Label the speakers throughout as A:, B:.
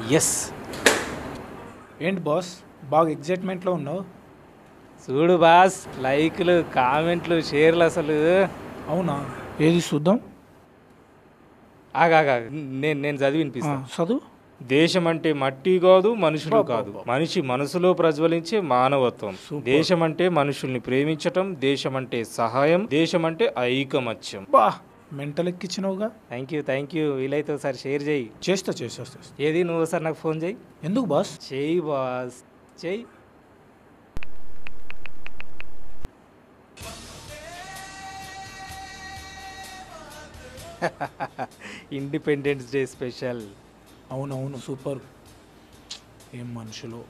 A: Yes.
B: ఏంటి boss బాగా ఎగ్జైట్మెంట్లో ఉన్నావు?
A: చూడు బాస్, లైక్లు, కామెంట్లు, షేర్లు అసలు.
B: అవునా, ఏది చూద్దాం.
A: ఆగా నేను నేను చదివి వినిపిస్తా.
B: చదువు.
A: దేశం అంటే మట్టి కాదు, మనుషులు కాదు, మనిషి మనసులో ప్రజ్వలించే మానవత్వం. దేశం అంటే మనుషుల్ని ప్రేమించటం, దేశం అంటే సహాయం, దేశం అంటే ఐకమత్యం.
B: బా మెంటల్ ఎక్కిచ్చినావుగా.
A: Thank you. వీలైతే ఒకసారి షేర్ చేయి.
B: చేస్తా.
A: ఏది నువ్వు ఒకసారి నాకు ఫోన్ చేయి.
B: ఎందుకు బాస్?
A: చేయి బాస్, చేయి. Independence day special.
B: అవునవును, సూపర్. ఏం మనుషులు.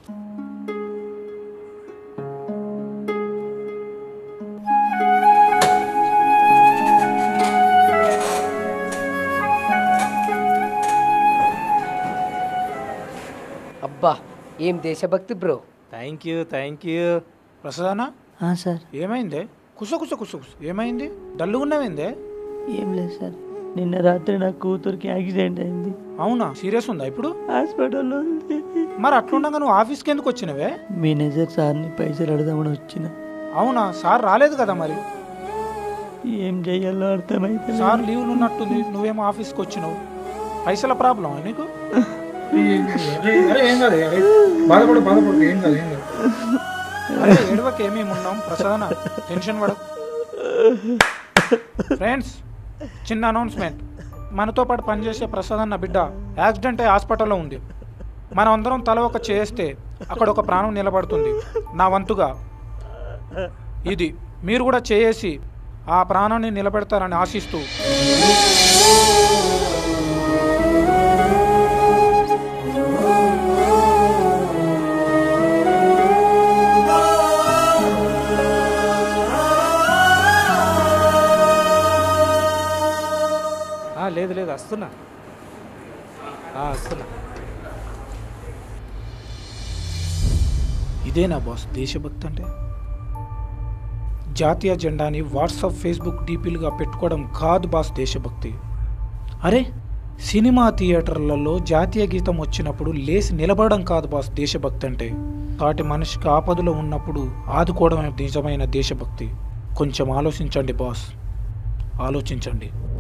C: అబ్బా ఏం దేశభక్తి బ్రో.
A: Thank you.
B: ప్రసాదనా?
D: సార్.
B: ఏమైందే? కుస ఏమైంది? డల్లుగా ఉన్నావేందే?
D: ఏం లేదు సార్, నిన్న రాత్రి నా కూతురికి యాక్సిడెంట్ అయింది.
B: అవునా, సీరియస్ ఉందా ఇప్పుడు?
D: హాస్పిటల్లో ఉంది.
B: మరి అట్లుండగా నువ్వు ఆఫీస్కి ఎందుకు వచ్చినవే?
D: మేనేజర్ సార్ని పైసలు అడదామని వచ్చిన.
B: అవునా, సార్ రాలేదు కదా మరి?
D: ఏం చెయ్యాలో అర్థమైతే.
B: సార్ లీవ్లు ఉన్నట్టుంది, నువ్వేమో ఆఫీస్కి వచ్చినావు. పైసల ప్రాబ్లం నీకు? ఏడవకి ఏమేమి ఉన్నాం ప్రసాదన, టెన్షన్ పడ. ఫ్రెండ్స్, చిన్న అనౌన్స్మెంట్. మనతో పాటు పనిచేసే ప్రసాదన్న బిడ్డ యాక్సిడెంట్ అయ్యి హాస్పిటల్లో ఉంది. మనం అందరం తల ఒక చేస్తే అక్కడ ఒక ప్రాణం నిలబడుతుంది. నా వంతుగా ఇది మీరు కూడా చేసి ఆ ప్రాణాన్ని నిలబెడతారని ఆశిస్తూ
A: లేదు వస్తున్నా.
B: ఇదేనా బాస్ దేశభక్తి అంటే? జాతీయ జెండాని వాట్సాప్, ఫేస్బుక్ డీపీలుగా పెట్టుకోవడం కాదు బాస్ దేశభక్తి. అరే, సినిమా థియేటర్లలో జాతీయ గీతం వచ్చినప్పుడు లేచి నిలబడడం కాదు బాస్ దేశభక్తి అంటే. సాటి మనిషికి ఆపదలో ఉన్నప్పుడు ఆదుకోవడమే నిజమైన దేశభక్తి. కొంచెం ఆలోచించండి బాస్, ఆలోచించండి.